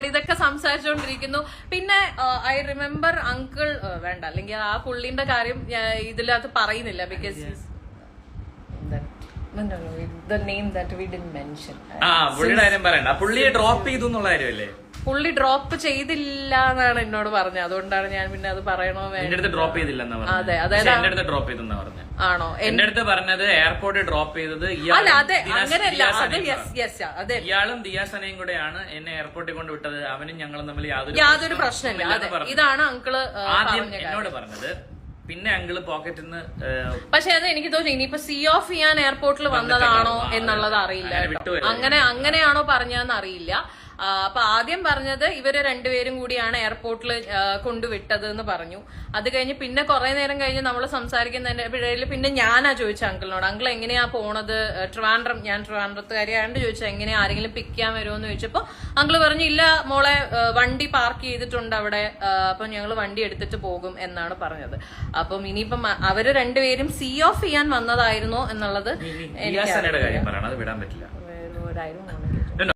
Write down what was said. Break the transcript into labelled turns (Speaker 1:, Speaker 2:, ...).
Speaker 1: ഇതൊക്കെ സംസാരിച്ചുകൊണ്ടിരിക്കുന്നു. പിന്നെ I remember uncle വേണ്ട, അല്ലെങ്കിൽ ആ പുള്ളിന്റെ കാര്യം ഇതിനകത്ത് പറയുന്നില്ല, because the name that we didn't mention.
Speaker 2: പുള്ളിയുടെ കാര്യം പറയണ്ട. പുള്ളിയെ ഡ്രോപ്പ് ചെയ്തു എന്നുള്ള കാര്യമല്ലേ?
Speaker 1: പുള്ളി ഡ്രോപ്പ് ചെയ്തില്ല എന്നാണ് എന്നോട് പറഞ്ഞത്. അതുകൊണ്ടാണ് ഞാൻ പിന്നെ അത് പറയണോ
Speaker 2: എന്റെ അടുത്ത് ഡ്രോപ്പ് ചെയ്തില്ലെന്നാ പറഞ്ഞത്.
Speaker 1: അതെ, അതായത്
Speaker 2: എന്റെ അടുത്ത് ഡ്രോപ്പ് ചെയ്തെന്നാ പറഞ്ഞത്.
Speaker 1: ആണോ?
Speaker 2: എന്റെ അടുത്ത് പറഞ്ഞത് എയർപോർട്ടിൽ ഡ്രോപ്പ് ചെയ്തത്
Speaker 1: അല്ല, അതെ, അങ്ങനെയല്ല. അതെ,
Speaker 2: ഇയാളും ദിയാസനയും കൂടെയാണ് എന്നെ എയർപോർട്ടിൽ കൊണ്ട് വിട്ടത്. അവനും ഞങ്ങളും തമ്മിൽ
Speaker 1: യാതൊരു പ്രശ്നമില്ല. അതെ, ഇതാണ് അങ്കിള്
Speaker 2: ആദ്യം എന്നോട് പറഞ്ഞത്. പിന്നെ അങ്കിള് പോക്കറ്റിൽ നിന്ന്,
Speaker 1: പക്ഷെ അത് എനിക്ക് തോന്നുന്നു ഇനിയിപ്പോ സീ ഓഫ് ചെയ്യാൻ എയർപോർട്ടിൽ വന്നതാണോ എന്നുള്ളത് അറിയില്ല. അങ്ങനെയാണോ പറഞ്ഞതെന്ന് അറിയില്ല. അപ്പൊ ആദ്യം പറഞ്ഞത് ഇവര് രണ്ടുപേരും കൂടിയാണ് എയർപോർട്ടിൽ കൊണ്ടുവിട്ടത് എന്ന് പറഞ്ഞു. അത് കഴിഞ്ഞ് പിന്നെ കുറെ നേരം കഴിഞ്ഞ് നമ്മൾ സംസാരിക്കുന്നതിന്റെ ഇടയിൽ പിന്നെ ഞാനാ ചോദിച്ച അങ്കിളിനോട്, അങ്കിൾ എങ്ങനെയാ പോണത് ട്രിവാൻഡ്രം, ഞാൻ ട്രിവാൻഡ്രത്തുകാരിയാണ്ട് ചോദിച്ചു എങ്ങനെയാ ആരെങ്കിലും പിക്ക് ചെയ്യാൻ വരുമോ എന്ന് ചോദിച്ചപ്പോ അങ്കിള് പറഞ്ഞു ഇല്ല മോളെ, വണ്ടി പാർക്ക് ചെയ്തിട്ടുണ്ട് അവിടെ, അപ്പൊ ഞങ്ങൾ വണ്ടി എടുത്തിട്ട് പോകും എന്നാണ് പറഞ്ഞത്. അപ്പം ഇനിയിപ്പം അവര് രണ്ടുപേരും സീ ഓഫ് ചെയ്യാൻ വന്നതായിരുന്നോ എന്നുള്ളത്
Speaker 2: എനിക്ക് വിടാൻ പറ്റില്ല.